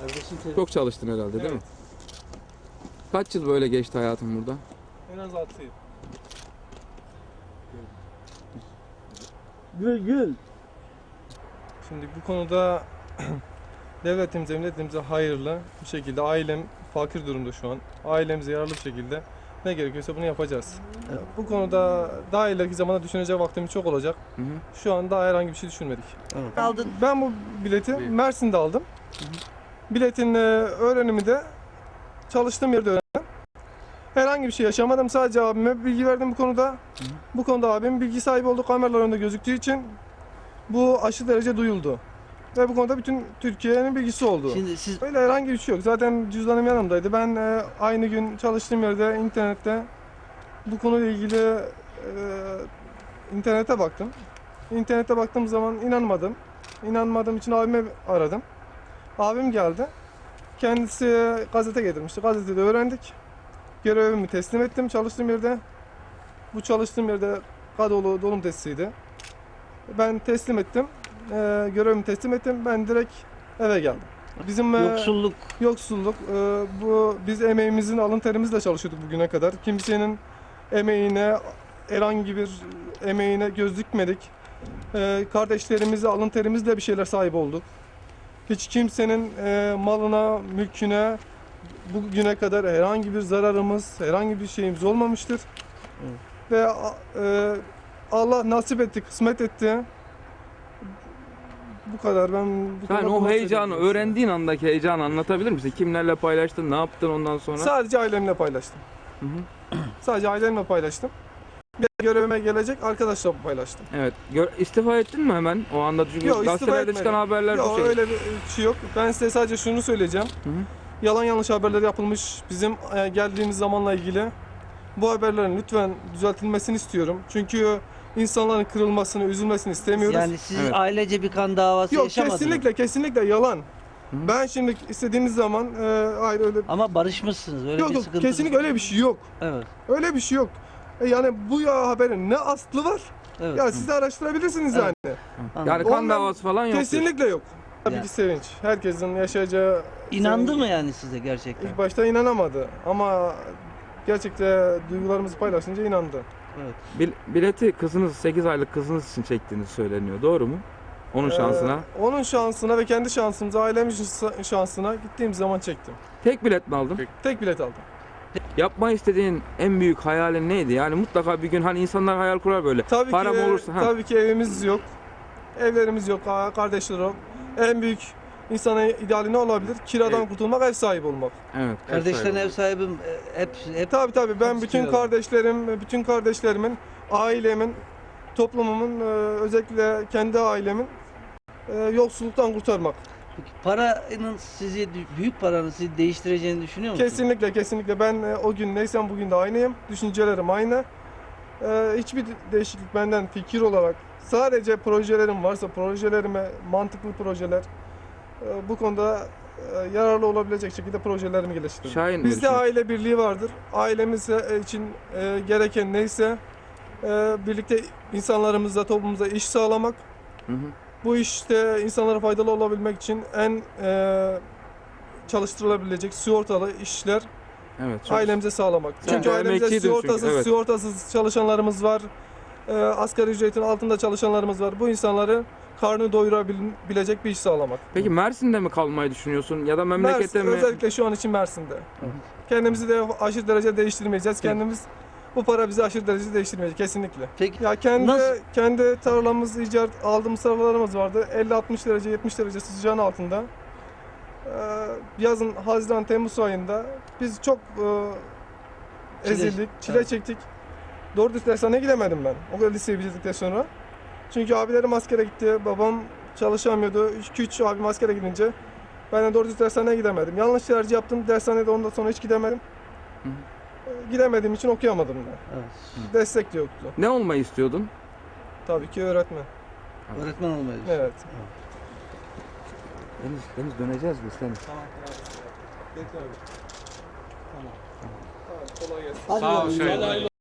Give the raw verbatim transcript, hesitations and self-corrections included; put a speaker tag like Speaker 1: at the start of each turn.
Speaker 1: Çok çalıştın herhalde değil
Speaker 2: Evet.
Speaker 1: mi? Kaç yıl böyle geçti hayatın burada?
Speaker 2: En az altı yıl.
Speaker 3: Gül gül.
Speaker 2: Şimdi bu konuda devletimize, milletimize hayırlı bir şekilde, ailem fakir durumda şu an. Ailemize yararlı bir şekilde ne gerekiyorsa bunu yapacağız.
Speaker 3: Evet.
Speaker 2: Bu konuda daha ileriki zamanda düşünecek vaktimiz çok olacak.
Speaker 1: Hı hı.
Speaker 2: Şu an daha herhangi bir şey düşünmedik.
Speaker 3: Evet.
Speaker 4: Aldın.
Speaker 2: Ben bu bileti
Speaker 1: Buyur.
Speaker 2: Mersin'de aldım. Biletin e, öğrenimi de çalıştığım yerde öğrendim. Herhangi bir şey yaşamadım. Sadece abime bilgi verdim bu konuda. Bu konuda abim bilgi sahibi oldu. Kameralar önünde gözüktüğü için bu aşırı derece duyuldu. Ve bu konuda bütün Türkiye'nin bilgisi oldu.
Speaker 3: Şimdi siz
Speaker 2: Öyle herhangi bir şey yok. Zaten cüzdanım yanımdaydı. Ben e, aynı gün çalıştığım yerde internette bu konuyla ilgili e, internete baktım. İnternete baktığım zaman inanmadım. İnanmadığım için abimi aradım. Abim geldi. Kendisi gazete getirmişti. Gazetede öğrendik. Görevimi teslim ettim çalıştığım yerde. Bu çalıştığım yerde kadrolu dolum testiydi. Ben teslim ettim. E, görevimi teslim ettim. Ben direkt eve geldim. Bizim e,
Speaker 3: yoksulluk
Speaker 2: Yoksulluk. e, bu biz emeğimizin alın terimizle çalışıyorduk bugüne kadar. Kimsenin emeğine, herhangi bir emeğine göz dikmedik. E, kardeşlerimize alın terimizle bir şeyler sahip olduk. Hiç kimsenin e, malına, mülküne bugüne kadar herhangi bir zararımız, herhangi bir şeyimiz olmamıştır.
Speaker 3: Evet.
Speaker 2: Ve e, Allah nasip etti, kısmet etti. Bu kadar. Ben bu
Speaker 1: Sen
Speaker 2: kadar
Speaker 1: o
Speaker 2: bunu
Speaker 1: heyecanı,
Speaker 2: söyleyeyim.
Speaker 1: öğrendiğin andaki heyecanı anlatabilir misin? Kimlerle paylaştın, ne yaptın ondan sonra?
Speaker 2: Sadece ailemle paylaştım.
Speaker 1: Hı hı.
Speaker 2: Sadece ailemle paylaştım. Bir görevime gelecek arkadaşlarla paylaştım.
Speaker 1: Evet. Gör, istifa ettin mi hemen o anda? Çünkü
Speaker 2: Yok, istifa
Speaker 1: gazetelerde
Speaker 2: etmedim.
Speaker 1: çıkan haberler bu
Speaker 2: Yok
Speaker 1: şey.
Speaker 2: öyle bir şey yok. Ben size sadece şunu söyleyeceğim.
Speaker 1: Hı hı.
Speaker 2: Yalan yanlış haberler yapılmış bizim e, geldiğimiz zamanla ilgili. Bu haberlerin lütfen düzeltilmesini istiyorum. Çünkü insanların kırılmasını, üzülmesini istemiyoruz.
Speaker 3: yani siz
Speaker 1: Evet.
Speaker 3: ailece bir kan davası
Speaker 2: Yok
Speaker 3: yaşamadınız.
Speaker 2: kesinlikle kesinlikle yalan. Ben şimdi istediğiniz zaman e, hayır öyle
Speaker 3: Ama barışmışsınız. Öyle
Speaker 2: yok
Speaker 3: bir
Speaker 2: yok
Speaker 3: sıkıntı.
Speaker 2: kesinlikle öyle bir şey yok.
Speaker 3: Evet.
Speaker 2: Öyle bir şey yok. E, yani bu ya haberin ne aslı var?
Speaker 3: Evet.
Speaker 2: Ya siz de araştırabilirsiniz
Speaker 3: Evet.
Speaker 2: yani.
Speaker 1: Yani kan
Speaker 2: Ondan
Speaker 1: davası falan yok.
Speaker 2: Kesinlikle yok. Tabii
Speaker 3: Yani-
Speaker 2: ki sevinç. Herkesin yaşayacağı
Speaker 3: İnandı
Speaker 2: sevinç.
Speaker 3: mı yani size gerçekten?
Speaker 2: İlk başta inanamadı ama gerçekten duygularımızı paylaşınca inandı.
Speaker 3: Evet.
Speaker 1: Bil- bileti kızınız, sekiz aylık kızınız için çektiğiniz söyleniyor. Doğru mu? Onun şansına.
Speaker 2: Ee, onun şansına ve kendi şansımıza, ailemin şansına gittiğim zaman çektim.
Speaker 1: Tek bilet mi aldın?
Speaker 2: Tek bilet aldım.
Speaker 1: Yapma istediğin en büyük hayalin neydi? Yani mutlaka bir gün hani insanlar hayal kurar böyle.
Speaker 2: Tabii
Speaker 1: Param
Speaker 2: ki,
Speaker 1: olursa. Ha.
Speaker 2: tabii ki evimiz yok. Evlerimiz yok, kardeşler yok. En büyük insanın ideali ne olabilir? Kiradan
Speaker 1: Evet.
Speaker 2: kurtulmak, ev sahibi olmak.
Speaker 1: Evet.
Speaker 3: Kardeşlerin ev
Speaker 1: sahibi.
Speaker 3: sahibim e, hep hep
Speaker 2: Tabii tabii ben
Speaker 3: Hepsi
Speaker 2: bütün
Speaker 3: kiradan.
Speaker 2: kardeşlerim, bütün kardeşlerimin, ailemin, toplumumun, e, özellikle kendi ailemin e, yoksulluktan kurtarmak.
Speaker 3: Peki paranın sizi büyük paranın sizi değiştireceğini düşünüyor musunuz?
Speaker 2: Kesinlikle kesinlikle ben e, o gün neysem bugün de aynıyım. Düşüncelerim aynı. E, hiçbir değişiklik benden fikir olarak sadece projelerim varsa projelerime mantıklı projeler e, bu konuda e, yararlı olabilecek şekilde projelerimi geliştiririm.
Speaker 1: Şahin ne
Speaker 2: Bizde
Speaker 1: düşünüyorsun?
Speaker 2: aile birliği vardır. Ailemiz e, için e, gereken neyse e, birlikte insanlarımızla toplumumuza iş sağlamak.
Speaker 1: Hı hı.
Speaker 2: Bu işte insanlara faydalı olabilmek için en e, çalıştırılabilecek sigortalı işler
Speaker 1: Evet. çok-
Speaker 2: ailemize sağlamak.
Speaker 1: Sen
Speaker 2: Çünkü
Speaker 1: de
Speaker 2: ailemizde
Speaker 1: emekçiydin çünkü,
Speaker 2: sigortasız,
Speaker 1: evet.
Speaker 2: sigortasız çalışanlarımız var. E, asgari ücretin altında çalışanlarımız var. Bu insanları karnı doyurabilecek bir iş sağlamak.
Speaker 1: Peki Mersin'de mi kalmayı düşünüyorsun ya da memlekette
Speaker 2: Mersin,
Speaker 1: mi?
Speaker 2: özellikle şu an için Mersin'de. Kendimizi de aşırı derece değiştirmeyeceğiz. Kendimiz bu para bizi aşırı derece değiştirmeyecek kesinlikle.
Speaker 3: Peki
Speaker 2: Ya kendi
Speaker 3: Nasıl?
Speaker 2: kendi tarlamız, icat aldığımız tarlalarımız vardı. elli altmış derece, yetmiş derece sıcağın altında. Ee, yazın Haziran Temmuz ayında biz çok e,
Speaker 3: Çile-
Speaker 2: ezildik, çile
Speaker 3: evet.
Speaker 2: çektik. Doğru düz dershaneye gidemedim ben. O kadar liseyi bitirdikten sonra. Çünkü abilerim askere gitti, babam çalışamıyordu. iki üç abim askere gidince ben de doğru düz dershaneye gidemedim. Yanlış tercih yaptım. Dershanede ondan sonra hiç gidemedim.
Speaker 1: Hı.
Speaker 2: Ee, Gidemediğim için okuyamadım da.
Speaker 3: evet.
Speaker 2: Destek de yoktu.
Speaker 1: Ne olmayı istiyordun?
Speaker 2: Tabii ki öğretmen.
Speaker 3: Öğretmen olmayı
Speaker 2: Evet.
Speaker 1: Deniz, Deniz döneceğiz biz Deniz.
Speaker 2: Tamam. Bekle abi. Tamam. Tamam. Kolay gelsin.
Speaker 3: Hadi
Speaker 5: Sağ ol
Speaker 3: bakalım.
Speaker 5: Şahin.